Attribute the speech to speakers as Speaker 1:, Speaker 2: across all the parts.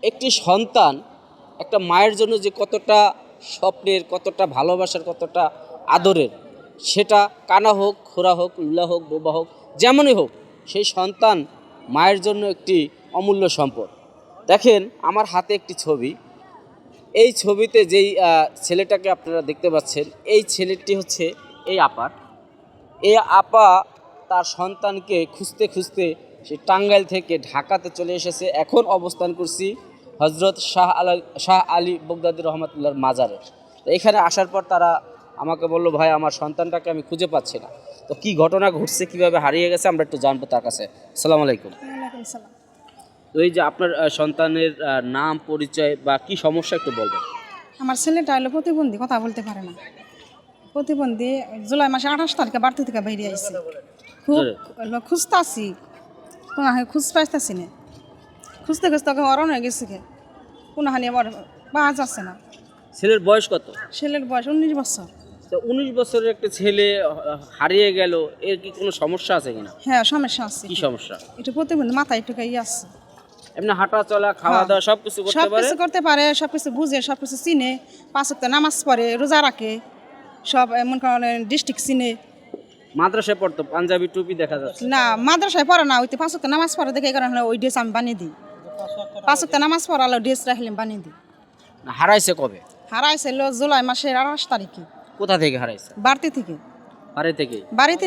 Speaker 1: একটি সন্তান একটা মায়ের জন্য যে কতটা স্বপ্নের, কতটা ভালোবাসার, কতটা আদরের, সেটা কানা হোক, খোরা হোক, লুলা হোক, বোবা হোক, যেমনই হোক, সেই সন্তান মায়ের জন্য একটি অমূল্য সম্পদ। দেখেন আমার হাতে একটি ছবি। এই ছবিতে যেই ছেলেটাকে আপনারা দেখতে পাচ্ছেন, এই ছেলেটি হচ্ছে এই আপার। এই আপা তার সন্তানকে খুঁজতে খুঁজতে সে টাঙ্গাইল থেকে ঢাকাতে চলে এসেছে। এখন অবস্থান করছি হজরত শাহ আলী বগদাদী রহমতুল্লাহর মাজারে। তো এখানে আসার পর তারা আমাকে বললো, ভাই আমার সন্তানটাকে আমি খুঁজে পাচ্ছি না। তো কি ঘটনা ঘটছে, কিভাবে হারিয়ে গেছে, আমরা একটু জানবো তার কাছে। আসসালামু আলাইকুম। তো এই যে আপনার সন্তানের নাম, পরিচয় বা কি সমস্যা একটু বলবেন।
Speaker 2: আমার ছেলেটা হলো প্রতিবন্ধী, কথা বলতে পারে না। প্রতিবন্ধী, জুলাই মাসে 28 তারিখে বাড়তি থেকে বেরিয়ে আইছে। খুব খুঁজতাছি, কোনো খুঁজ পাইতেছি না। খুঁজতে খুঁজতে ওকে অরণ হয়ে গেছে, কোনো হানি আবার পাওয়া যাচ্ছে না।
Speaker 1: ছেলের বয়স কত?
Speaker 2: ছেলের বয়স 19 বছর।
Speaker 1: তো 19 বছরের একটা ছেলে হারিয়ে গেল, এর কি কোনো সমস্যা আছে কিনা?
Speaker 2: হ্যাঁ, সমস্যা আছে।
Speaker 1: কি সমস্যা?
Speaker 2: একটু প্রতিবন্ধী, মাথায় একটু ইয়ে আছে।
Speaker 1: এমনি হাঁটা চলা, খাওয়া দাওয়া সবকিছু করতে পারে?
Speaker 2: সবকিছু করতে পারে, সবকিছু বুঝে, সবকিছু চিনে। 5 ওয়াক্ত নামাজ পড়ে, রোজা রাখে, সব এমন কারণে ডিস্ট্রিক্ট চিনে।
Speaker 1: মাদ্রাসায় পড়তো, পাঞ্জাবি টুপি দেখা যাচ্ছে।
Speaker 2: না, মাদ্রাসায় পড়ে না, ওই তো 5 ওয়াক্ত নামাজ পড়ে দেখে, এই কারণে ওই ড্রেস আমি বানিয়ে দিই। 5 ওয়াক্ত নামাজ পড়ালো, ড্রেস রাখলাম বানিয়ে দিই।
Speaker 1: হারাইছে কবে?
Speaker 2: হারাইছে জুলাই মাসের 28 তারিখে।
Speaker 1: কোথা থেকে হারাইছে?
Speaker 2: বাড়তি থেকে।
Speaker 1: বাড়ি থেকে?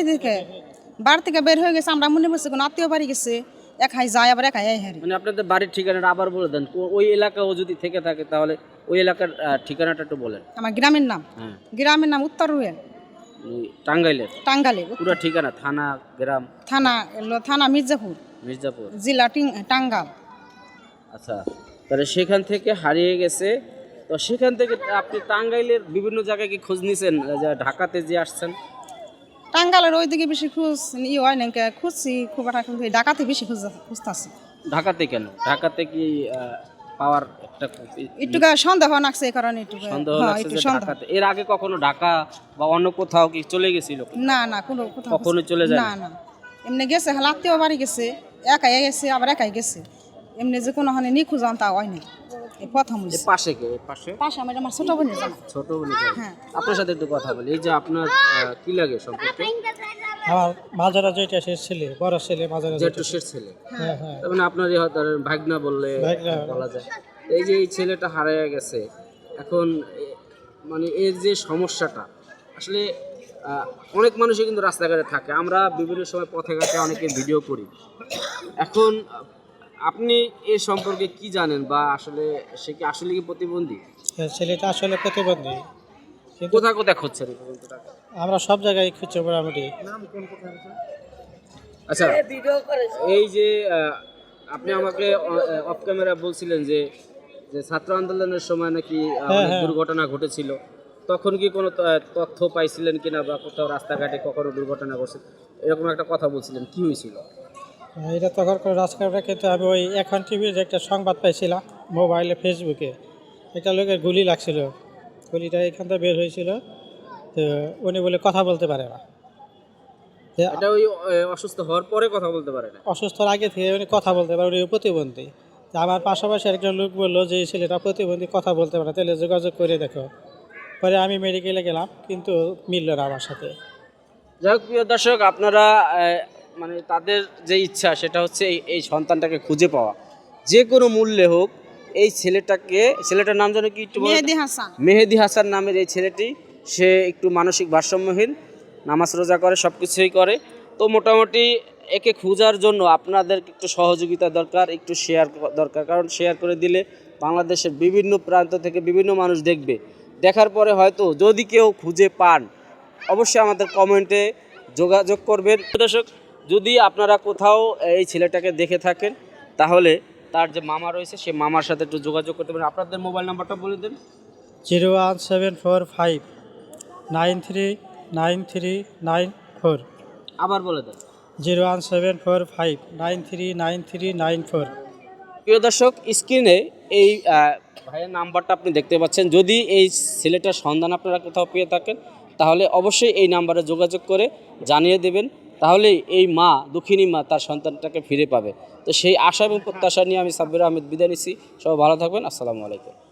Speaker 2: বাড়ি থেকে বের হয়ে গেছে। আমরা মনে করছি কোনো আত্মীয় বাড়ি গেছে, একাই যায় আবার একাই হারি।
Speaker 1: মানে আপনাদের বাড়ির ঠিকানাটা আবার বলে দেন। ওই এলাকা ও যদি থেকে থাকে তাহলে ওই এলাকার ঠিকানাটা একটু বলেন।
Speaker 2: আমার গ্রামের নাম?
Speaker 1: হ্যাঁ,
Speaker 2: গ্রামের নাম উত্তর রুয়েল,
Speaker 1: টাঙ্গাইলের।
Speaker 2: টাঙ্গাইলের
Speaker 1: পুরো ঠিকানা, থানা, গ্রাম?
Speaker 2: থানা মির্জাপুর,
Speaker 1: মির্জাপুর
Speaker 2: জেলা টাঙ্গাইল।
Speaker 1: আচ্ছা, তাহলে সেখান থেকে হারিয়ে গেছে। তো সেখান থেকে আপনি টাঙ্গাইলের বিভিন্ন জায়গায় কি খোঁজ নিয়েছেন, ঢাকাতে যে আসছেন?
Speaker 2: টাঙ্গাইলের ওইদিকে বেশি খোঁজ হয় না, খুঁজছি খুব একটা, কিন্তু ঢাকাতে বেশি খুঁজতেছি।
Speaker 1: ঢাকাতে কেন? ঢাকাতে কি পাওয়ার একটা
Speaker 2: একটু সন্দেহ লাগছে, এই কারণে একটু
Speaker 1: সন্দেহ লাগছে যে ঢাকাতে? এর আগে কখনো ঢাকা বা অন্য কোথাও কি চলে গেছিল?
Speaker 2: না না, কোনো কোথাও
Speaker 1: কখনো চলে যায়
Speaker 2: না। না, এমনি গেছে, আত্মীয় বাড়ি গেছে, একাই গেছে আবার একাই গেছে। এমনি যে কোনো হানে নিখোঁজ আনতা হয় না, এই প্রথম।
Speaker 1: পাশে কে? পাশে
Speaker 2: আমার ছোট বোনের জানা।
Speaker 1: ছোট বোনের জানা।
Speaker 2: হ্যাঁ।
Speaker 1: আপনার সাথে একটু কথা বলি। এই যে আপনার কি লাগে সম্পর্কে?
Speaker 3: আমার মাজারা যেটা সে ছেলে, বড় ছেলে মাজারা
Speaker 1: জেঠুশের ছেলে।
Speaker 3: হ্যাঁ হ্যাঁ,
Speaker 1: তার মানে আপনারই ধরেন ভাগনা বললে বলা যায়। এই যে এই ছেলেটা হারিয়ে গেছে, এখন মানে এর যে সমস্যাটা আসলে অনেক মানুষই কিন্তু রাস্তাঘাটে থাকে, আমরা বিভিন্ন সময় পথে ঘাটে অনেকে ভিডিও করি। এখন আপনি এর সম্পর্কে কি জানেন, বা আসলে সে কি আসলে কি প্রতিবন্ধী?
Speaker 3: ছেলেটা আসলে প্রতিবন্ধী, কিন্তু
Speaker 1: কোথায় কোথায় খুঁজছেন এই প্রতিবন্ধীটাকে?
Speaker 3: আমরা সব জায়গায় খুঁজছি মোটামুটি।
Speaker 1: আচ্ছা, এই যে আপনি আমাকে অফ ক্যামেরা বলছিলেন যে যে ছাত্র আন্দোলনের সময় নাকি অনেক দুর্ঘটনা ঘটেছিল, তখন কি কোনো তথ্য পাইছিলেন কিনা, বা কোথাও রাস্তাঘাটে কখনো দুর্ঘটনা ঘটছে এরকম একটা কথা বলছিলেন, কি হয়েছিল?
Speaker 3: এটা তখন করে রাজকারটা, কিন্তু আমি ওই এখন টিভির একটা সংবাদ পাইছিলাম মোবাইলে, ফেসবুকে। একটা লোকের গুলি লাগছিল, গুলিটা এখান থেকে বের হয়েছিল। তো উনি বলে কথা বলতে পারে না।
Speaker 1: এটা ওই অসুস্থ হওয়ার পরে কথা বলতে পারে না?
Speaker 3: অসুস্থর আগে থেকে উনি কথা বলতে পারে, উনি প্রতিবন্ধী। তো আমার পাশাপাশি একজন লোক বললো যে এই ছেলেটা প্রতিবন্ধী, কথা বলতে পারে, তাহলে যোগাযোগ করে দেখো। পরে আমি মেডিকেলে গেলাম, কিন্তু মিলল না আমার সাথে।
Speaker 1: যাই হোক, প্রিয় দর্শক, আপনারা মানে তাদের যে ইচ্ছা সেটা হচ্ছে এই সন্তানটাকে খুঁজে পাওয়া, যে কোনো মূল্যে হোক। এই ছেলেটার নাম যেন কি একটু বলেন?
Speaker 2: মেহেদি হাসান।
Speaker 1: মেহেদি হাসান নামের এই ছেলেটি, সে একটু মানসিক ভারসাম্যহীন, নামাজ রোজা করে, সব কিছুই করে। তো মোটামুটি একে খোঁজার জন্য আপনাদের একটু সহযোগিতা দরকার, একটু শেয়ার দরকার। কারণ শেয়ার করে দিলে বাংলাদেশের বিভিন্ন প্রান্ত থেকে বিভিন্ন মানুষ দেখবে। দেখার পরে হয়তো যদি কেউ খুঁজে পান, অবশ্যই আমাদের কমেন্টে যোগাযোগ করবেন। দর্শক, যদি আপনারা কোথাও এই ছেলেটাকে দেখে থাকেন, তাহলে তার যে মামা রয়েছে সে মামার সাথে একটু যোগাযোগ করতে পারেন। আপনাদের মোবাইল নাম্বারটা বলে দেন।
Speaker 3: 01745939394।
Speaker 1: আবার বলে দেন।
Speaker 3: 01745939394।
Speaker 1: প্রিয় দর্শক, স্ক্রিনে এই ভাইয়ের নাম্বারটা আপনি দেখতে পাচ্ছেন। যদি এই ছেলেটার সন্ধান আপনারা কোথাও পেয়ে থাকেন, তাহলে অবশ্যই এই নাম্বারে যোগাযোগ করে জানিয়ে দেবেন। তাহলে এই মা, দুঃখিনী মা তার সন্তানটাকে ফিরে পাবে। তো সেই আশা এবং প্রত্যাশা নিয়ে আমি সাব্বির আহমেদ বিদায় নিচ্ছি। সবাই ভালো থাকবেন। আসসালামু আলাইকুম।